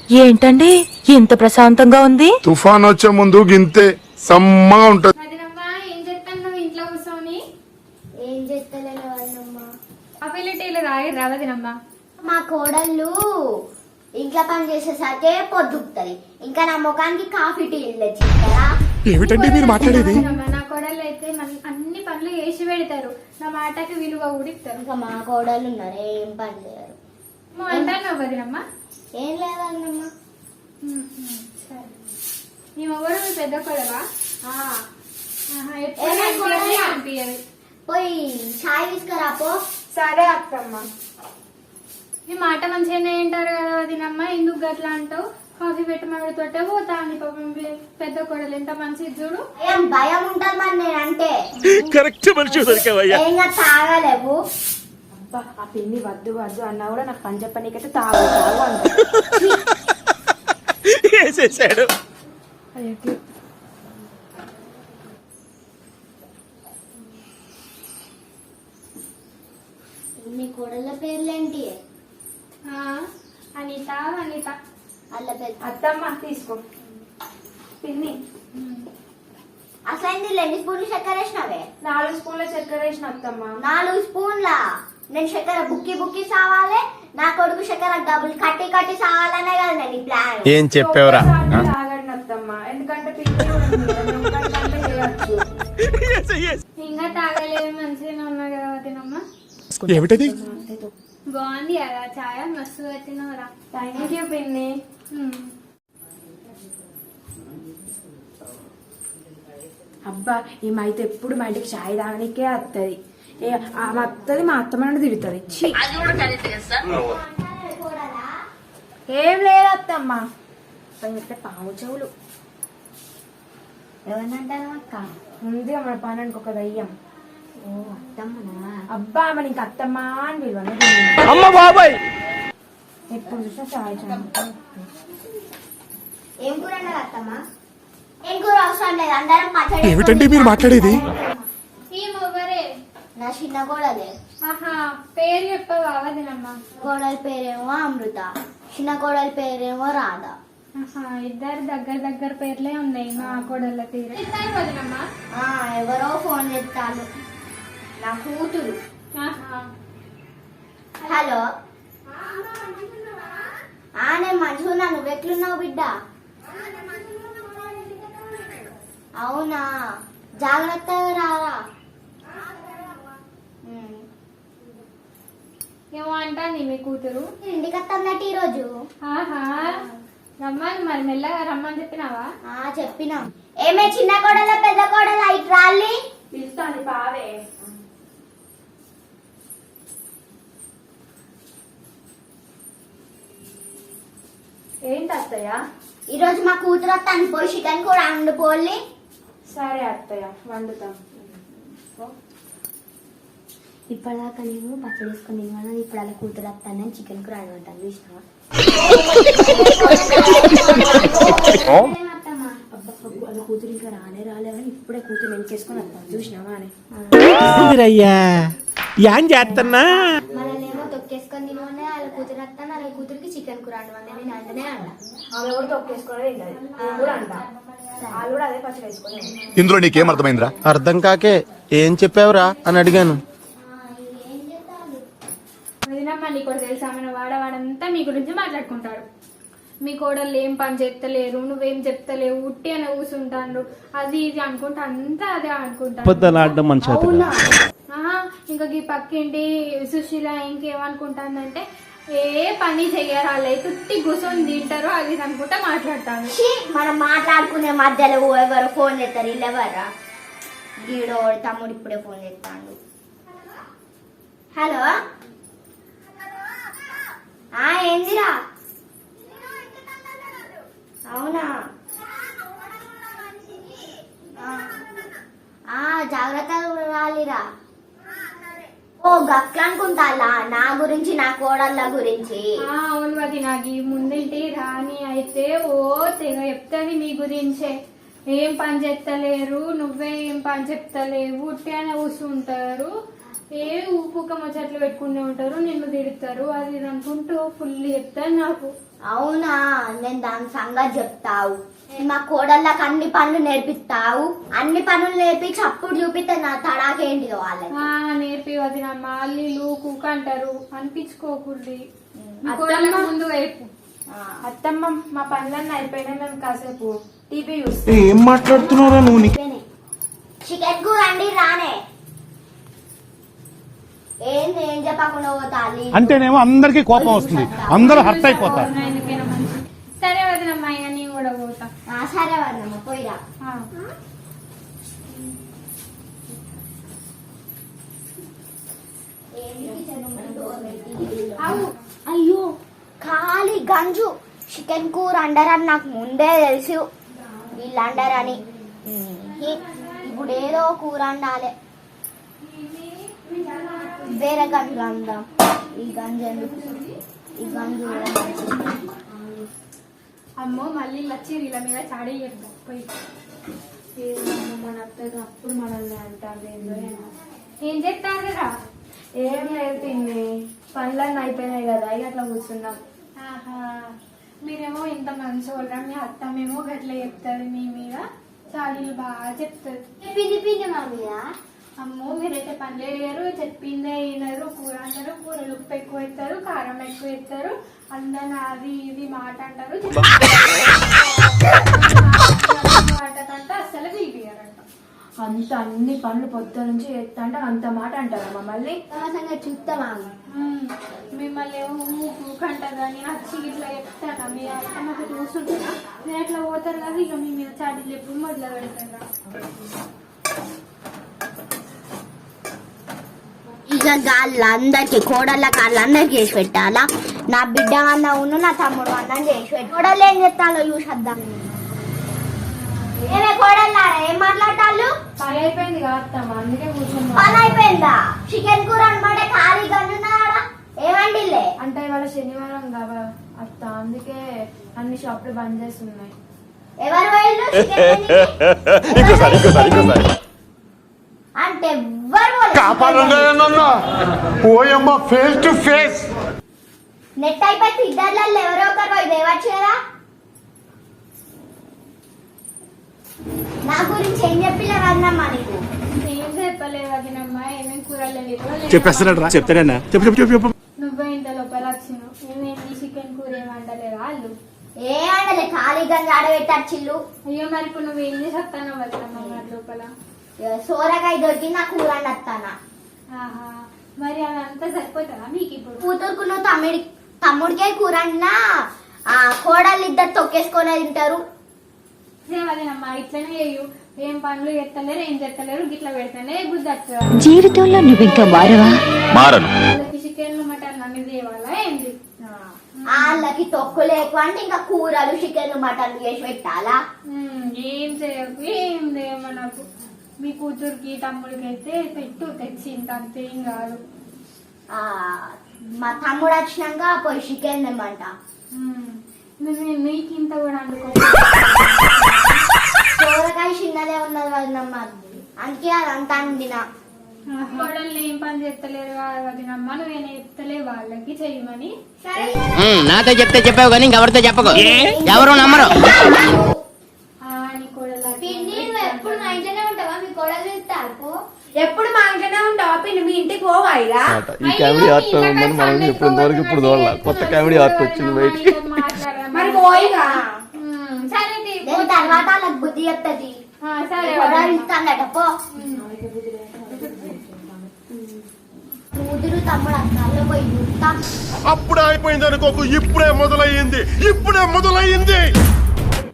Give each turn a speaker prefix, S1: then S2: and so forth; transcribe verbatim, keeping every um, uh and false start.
S1: ఏంటండి ఇంత ప్రశాంతంగా ఉంది?
S2: తుఫాన్ వచ్చే ముందు గింతే సమ్మగా ఉంటది.
S3: ఏం చెప్తాను నువ్వు ఇంట్లో కూర్చొని?
S4: ఏం చేస్తలేను వాళ్ళమ్మా.
S3: కాఫీలు టీలు తాగి రావదినమ్మా.
S4: మా కోడళ్ళు ఇంట్లో పని చేసేసరికి పొద్దుకుతుంది. ఇంకా నా ముఖానికి కాఫీ టీలు తెచ్చిస్తారా?
S2: ఏమిటండి మీరు మాట్లాడేది?
S3: నా కోడళ్ళు అయితే అన్ని పనులు వేసి పెడతారు, నా మాటకి విలువ ఊడిస్తారు.
S4: ఇంకా మా కోడళ్ళు ఉన్నారు ఏం పని చేయరు.
S3: అంటాను వదినమ్మా.
S4: ఏం లేదన్నమ్మా.
S3: సరే, నీ మొగడు మీ పెద్ద కొడవా? అనిపించదు.
S4: పోయి చాయ్ తీసుకురా పో.
S3: సరే అత్తమ్మ. నీ మాట మంచిగానే వింటారు కదా వదినమ్మ, ఎందుకు గట్లా అంటావు? కాఫీ పెట్టమడి తోటే పోతా అని పాపం పెద్ద కొడలు ఎంత మంచిది చూడు.
S4: ఏం భయం ఉంటుంది మరి నేనంటే.
S5: కరెక్ట్ మనిషి దొరికావయ్యా.
S4: ఏంగా తాగలేవు.
S1: ఆ పిన్ని వద్దు వద్దు అన్నా కూడా నాకు పని చెప్పనీకైతే తాగు తాగు అంట.
S5: వేసేసాడు.
S4: మీ కోడళ్ళ పేర్లేంటి?
S3: అనిత అనిత.
S4: వాళ్ళ పేరు
S1: అత్తమ్మ తీసుకో పిన్ని.
S4: అసలు ఎన్ని స్పూన్లు చక్కెర వేసినావే?
S1: నాలుగు స్పూన్ల చక్కెర వేసిన అత్తమ్మ.
S4: నాలుగు స్పూన్ల. నేను చక్కెర బుక్కి బుక్కి సావాలి, నా కొడుకు చక్కెర డబ్బులు కట్టి కట్టి సావాలనే కదా నేను ఈ ప్లాన్.
S5: ఏం చెప్పేవరా?
S1: తాగండి అత్తమ్మ, ఎందుకంటే పిన్ని చేయొచ్చు.
S3: ఇంకా తాగలేదు, మంచిగా ఉన్నా కదా వదినమ్మ.
S2: ఏమిటది?
S3: బాగుంది కదా చాయ్, మస్తు వచ్చినవరా.
S1: థ్యాంక్ యూ పిన్ని. అబ్బా ఈమైతే ఎప్పుడు మా ఇంటికి చాయ్ తాగనికే వస్తుంది. ఆమె వస్తుంది, మా అత్తమ్మ తిరుగుతుంది. ఏం లేదు అత్తమ్మ, చెప్తే పాము చెవులు.
S4: ఎవరినంటాను అక్క?
S1: ఉంది మన పనానికి ఒక దయ్యం.
S4: ఓ అత్తమ్మనా?
S1: అబ్బా మన ఇంక అత్తమ్మ అని పిలువను.
S5: అమ్మ బాబాయ్,
S1: ఎప్పుడు చూసినా చాయ్ చాయ్.
S4: ఏం కూర అన్నారు అత్తమ్మ? ఏం కూర అవసరం లేదు, అందరం పచ్చడి.
S2: ఏమిటండి మీరు మాట్లాడేది?
S3: ఈ మొగరే
S4: నా చిన్న కోడలే.
S3: ఆహా, పేరు చెప్పవా వదినమ్మ?
S4: కోడలి పేరేమో అమృత, చిన్న కోడలి పేరేమో రాధ.
S3: ఆహా, ఇద్దరు దగ్గర దగ్గర పేర్లే ఉన్నాయి మా కోడళ్ళ తీరు. ఇస్తారు వదినమ్మ.
S4: ఆ ఎవరో ఫోన్ చేస్తాను, నా కూతురు.
S3: ఆహా,
S4: హలో. ఆ నేను మంచిగా, నువ్వెట్లున్నావు బిడ్డ? అవునా, జాగ్రత్తగా రారా.
S3: ఏమో అంటాంది మీ కూతురు.
S4: ఇంటికి వస్తాన్నట్టు ఈరోజు.
S3: ఆహా, రమ్మని మరి మెల్లగా రమ్మని చెప్పినావా?
S4: ఆ చెప్పినా. ఏమే చిన్న కోడల పెద్ద కోడల ఇటు రాలి.
S1: పిలుస్తాను పావే. ఏంటి అత్తయ్య?
S4: ఈరోజు మా కూతురు వస్తాను, పోయి చికెన్ కూడా వండుకోవాలి.
S1: సరే అత్తయ్య, వండుతాం.
S4: ఇప్పటిదాకా నేను పచ్చడి వేసుకుని తిన్నాను, ఇప్పుడు అలా కూతురు వస్తాను చికెన్ కూర వండుతాను. చూసినావా?
S1: అలా కూతురు ఇంకా రానే రాలేవని ఇప్పుడే కూతురు ఎంకేసుకొని వస్తాను. చూసినావా అని
S5: అయ్యా ఏం చేస్తున్నా?
S4: మనల్నేమో తొక్కేసుకొని తినమని వాళ్ళ కూతురు వస్తాను, వాళ్ళ కూతురికి చికెన్ కూర వండమని నేను అంటనే అంట.
S1: ఆమె కూడా తొక్కేసుకొని తిన్నది, నేను కూడా అంట. వాళ్ళు కూడా అదే పచ్చడి వేసుకొని.
S2: ఇందులో నీకేం అర్థమైందిరా?
S5: అర్థం కాకే ఏం చెప్పావురా అని అడిగాను.
S3: వదినమ్మ, నీ కూడా తెలుసా, మన వాడవాడంతా మీ గురించి మాట్లాడుకుంటాడు. మీ కోడళ్ళు ఏం పని చెప్తలేరు, నువ్వేం చెప్తలేవు, ఉట్టి అని కూర్చుంటాను, అది ఇది అనుకుంటా, అంతా అదే అనుకుంటాను.
S5: మనిషి
S3: ఆహా, ఇంకా ఈ పక్కింటి సుశీల ఇంకేమనుకుంటానంటే ఏ పని చెయ్యరు, వాళ్ళు తుట్టి కూర్చొని తింటారు, అది ఇది అనుకుంటా మాట్లాడతాను.
S4: మనం మాట్లాడుకునే మధ్యలో ఎవరు ఫోన్ చేస్తారు, వీళ్ళు ఎవరా? గీడో తమ్ముడు ఇప్పుడే ఫోన్ చేస్తాడు. హలో. ఆ ఏందిరా? అవునా? ఆ జాగ్రత్తగా రాలిరా. ఓ గట్ల అనుకుంటాలా నా గురించి, నా కోడళ్ళ గురించి?
S3: అవును అది నాకు ముందేంటి రాని అయితే ఓ తెగ చెప్తుంది మీ గురించే. ఏం పని చెప్తలేరు, నువ్వే ఏం పని చెప్తలేవు, ఉట్టి అని కూర్చుంటారు, ఏ ఊపుక ముచ్చట్లు పెట్టుకుంటూ ఉంటారు, నిన్ను తిడతారు, అది ఇది అనుకుంటూ ఫుల్ చెప్తారు నాకు.
S4: అవునా, నేను దాని సంగతి చెప్తావు. నేను మా కోడళ్ళకి అన్ని పనులు నేర్పిస్తావు, అన్ని పనులు నేర్పించి అప్పుడు చూపిస్తే నా తడాకేంటి వాళ్ళకి.
S3: ఆ నేర్పి వదినమ్మ అల్లీలు కుక్క అంటారు అనిపించుకోకూడదు.
S1: అత్తమ్మ
S3: ముందు వైపు
S1: అత్తమ్మ మా పనులన్నీ అయిపోయినా మేము కాసేపు టీవీ చూస్తాం.
S5: ఏం మాట్లాడుతున్నారా నువ్వు?
S4: చికెన్ కూర అండి రానే. ఏంది ఏం చెప్పకుండా పోతాలి
S6: అంటేనేమో అందరికీ కోపం వస్తుంది, అందరూ హర్ట్ అయిపోతారు.
S3: ఎందుకైనా మంచి. సరే వదినమ్మ ఇక నేను కూడా పోతా.
S4: ఆ, సరే వద్దమ్మ పోయిరా.
S3: ఆ. అవు
S4: అయ్యో ఖాళీ గంజు చికెన్ కూర అండరని నాకు ముందే తెలుసు, వీళ్ళు అండరని. ఇప్పుడు ఏదో కూర అండాలి, వేరే గంజు అందాం. ఈ గంజు ఎందుకు, ఈ గంజు
S3: అమ్మో మళ్ళీ వచ్చి వీళ్ళ మీద చాడీ చెప్తాం పోయి.
S1: ఏమో మన అత్తగా అప్పుడు మనల్ని అంటారు ఏందో ఏమో.
S3: ఏం చెప్తారు కదా.
S1: ఏం లేదు తిండి, పనులన్నీ అయిపోయినాయి కదా ఇక అట్లా కూర్చున్నాం.
S3: ఆహా మీరేమో ఇంత మంచి వాళ్ళ, మీ అత్తమేమో గట్ల చెప్తారు మీ మీద, చాడీలు బాగా చెప్తారు.
S4: పిండి పిండి మా మీద.
S3: అమ్మో మీరైతే పనులు వేయరు, చెప్పిందే వినరు, కూర అంటారు, కూరలు ఉప్పు ఎక్కువ ఎత్తారు, కారం ఎక్కువ ఎత్తారు, అందరు అది ఇది మాట అంటారు, మాట అంటే అస్సలు పిలిపియారంట.
S1: అంత అన్ని పనులు పొద్దు నుంచి చేస్తా అంటే అంత మాట అంటారా మమ్మల్ని?
S4: సంగతి చూస్తామా?
S3: ఉమ్, మిమ్మల్ని ఏమో ఊపు కంటారా, నేను వచ్చి ఇట్లా చెప్తాను, మీ అత్తమ్మకి చూస్తుంటారా, మీరు ఎట్లా పోతారు కదా, ఇక మీ మీద చాడీలు ఎప్పుడు మొదలు పెడతారా.
S4: ఇక వాళ్ళందరికి కోడళ్ళకి వాళ్ళందరికి చేసి పెట్టాలా? నా బిడ్డ అన్న ఉన్న నా తమ్ముడు అన్నం చేసి పెట్టి కోడళ్ళు ఏం చెప్తాలో చూసేద్దాం. ఏమే కోడళ్ళారా ఏం మాట్లాడతాళ్ళు?
S1: పని అయిపోయింది కాస్తమ్మా, అందుకే కూర్చున్నా.
S4: పని అయిపోయిందా? చికెన్ కూర అనమాట ఖాళీ గన్నున్నారా? ఏమండిలే
S1: అంటే ఇవాళ శనివారం కదా అత్త, అందుకే అన్ని షాపులు బంద్ చేస్తున్నాయి.
S4: ఎవరు పోయిళ్ళు చికెన్
S2: ఇంకోసారి ఇంకోసారి ఇంకోసారి
S4: అంటే ఎవ్వరు
S5: పోయమ్మ ఫేస్ టు ఫేస్.
S4: నెట్ అయిపోయి ఇద్దర్లలో ఎవరో ఒకరు పోయి దేవచ్చు కదా. నా గురించి ఏం చెప్పిలే వద్దమ్మా నీకు?
S3: ఏం చెప్పలేదు అదినమ్మా, ఏమేమి కూరలు లేదు
S6: చెప్పేస్తున్నాడు రా, చెప్తాడన్నా. చెప్పు చెప్పు చెప్పు చెప్పు.
S3: నువ్వే ఇంత లోపల వచ్చినావు, ఏమేమి చికెన్ కూర ఏమంటలేదా వాళ్ళు?
S4: ఏ ఆడలే ఖాళీ గంజ ఆడబెట్టచ్చిల్లు.
S3: అయ్యో మరి ఇప్పుడు నువ్వేం చేసి వస్తానో వద్దమ్మా మరి లోపల.
S4: సోరకాయ దొరికి నా కూర వండొస్తానా.
S3: ఆహా మరి అదంతా సరిపోతుందా మీకు ఇప్పుడు?
S4: కూతురుకు నువ్వు తమ్ముడి తమ్ముడికే కూర వండినా ఆ కోడళ్ళు ఇద్దరు తొక్కేసుకొని తింటారు.
S3: అదేనమ్మా ఇట్లనే చెయ్యు, ఏం పనులు ఎత్తలేరు, ఏం చెత్తలేరు, గిట్లా పెడతానే బుద్ధి.
S7: జీవితంలో నువ్వు ఇంకా మారవా?
S2: మారను.
S3: చికెన్ మటన్ అన్ని తేవాలా ఏంటి?
S4: వాళ్ళకి తొక్కులు ఎక్కువ అంటే ఇంకా కూరలు చికెన్ మటన్ చేసి పెట్టాలా?
S3: ఉమ్, ఏం చేయకు, ఏం చేయమ్మా నాకు. మీ కూతురికి తమ్ముడికి అయితే పెట్టు, తెచ్చి ఇంత అంతేం కాదు.
S4: ఆ మా తమ్ముడు వచ్చినాక పోయి చికెన్ తెమ్మంట.
S3: ఉమ్, నువ్వు నీకు ఇంత కూడా అనుకో.
S4: సోరకాయ చిన్నదే ఉన్నది వదినమ్మ, అందుకే అదంతా అండినా.
S3: కోడళ్ళు ఏం పని చేస్తలేరు వదినమ్మ, నువ్వేం చెప్తలే వాళ్ళకి చెయ్యమని.
S8: నాతో చెప్తే చెప్పావు కానీ ఇంకెవరితో చెప్పకు, ఎవరు నమ్మరు.
S3: నీ కోడలు
S4: ఎప్పుడు మా ఇంట్లోనే ఉంటావా? మీ కోడలు ఇస్తారు
S1: ఎప్పుడు మా ఇంట్లోనే ఉంటావా పిన్ని? మీ ఇంటికి పోవా ఇక?
S5: ఈ కామెడీ ఆర్ట్ ఉందని మనం ఇప్పుడు వరకు ఇప్పుడు చూడాలి. కొత్త కామెడీ ఆర్ట్ వచ్చింది బయటికి.
S1: మరి పోయిగా.
S3: సరే
S4: నేను తర్వాత వాళ్ళకి బుద్ధి చెప్తుంది.
S3: సరే
S4: కోడలు ఇస్తానట పో. కూతురు తమ్ముడు అక్కల్లో పోయి చూస్తా.
S2: అప్పుడే అయిపోయింది అనుకోకు, ఇప్పుడే మొదలయ్యింది, ఇప్పుడే మొదలయ్యింది.